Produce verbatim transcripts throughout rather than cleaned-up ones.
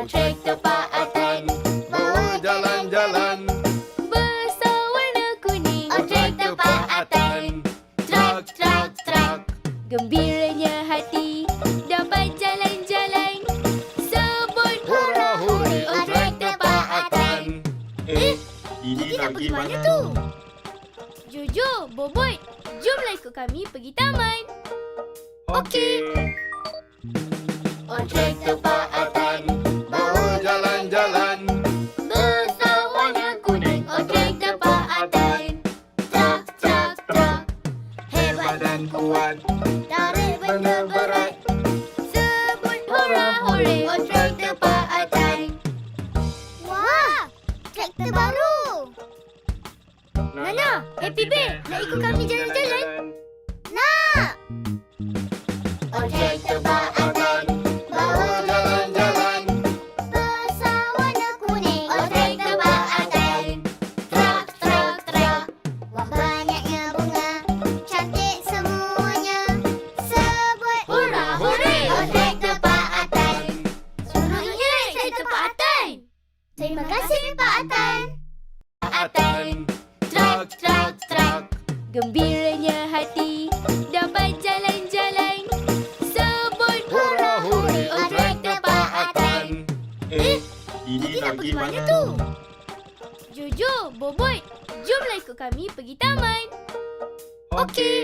On traktor Pak Atan bawa jalan-jalan. besar warna kuning. On traktor Pak Atan Trak, trak, trak. gembiranya hati dapat jalan-jalan. Sebut Hurra, hurra, on traktor Pak Atan. Eh, ini nak pergi mana tu? Jojo, Bobot, jomlah ikut kami pergi taman. Okey. On traktor Pak Atan Bawa jalan-jalan. besar warna kuning. On traktor Pak Atan trak, trak, trak. Hebat Badan kuat, tarik benda berat. sebut hurra hore. On traktor Pak Atan. Wah, traktor baru. Nana, Happy Bear, nak ikut kami jalan-jalan? Nak! On traktor Pak Atan Bawa jalan-jalan. besar warna kuning. On traktor Pak Atan trak, trak, trak. Wah, banyaknya bunga, cantik semuanya. Sebut hurra hore. On traktor Pak Atan. Seronoknya naik traktor Pak Atan. Terima kasih Pak Atan. Pak Atan trak, trak, trak. Gembiranya hati dapat jalan-jalan. Sebut hurra hore. On traktor Pak Atan. Eh, ini nak pergi mana tu? Jojo, Bobot, jomlah ikut kami pergi taman. Okey.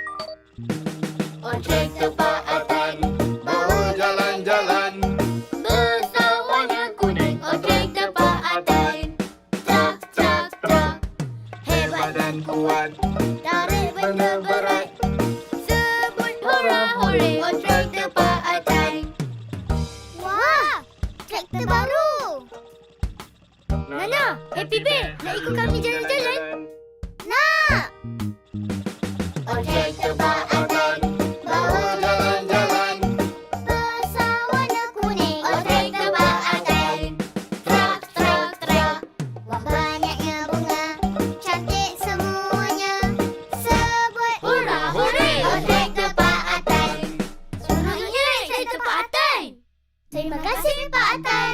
On traktor Pak Atan Bawa jalan-jalan. besar warna kuning. On traktor Pak Atan trak, trak, trak. Hebat Badan kuat, tarik benda berat. sebut hurra hore. On traktor Pak Atan. Wah, traktor baru. Nana, Happy Bear, nak ikut kami jalan-jalan? Nak! On traktor Pak Atan Bawa jalan-jalan. besar warna kuning. On traktor Pak Atan trak, trak, trak. Wah, banyaknya bunga, cantik semuanya. Sebut hurra hore. On traktor Pak Atan. Seronoknya naik traktor Pak Atan. Terima kasih Pak Atan.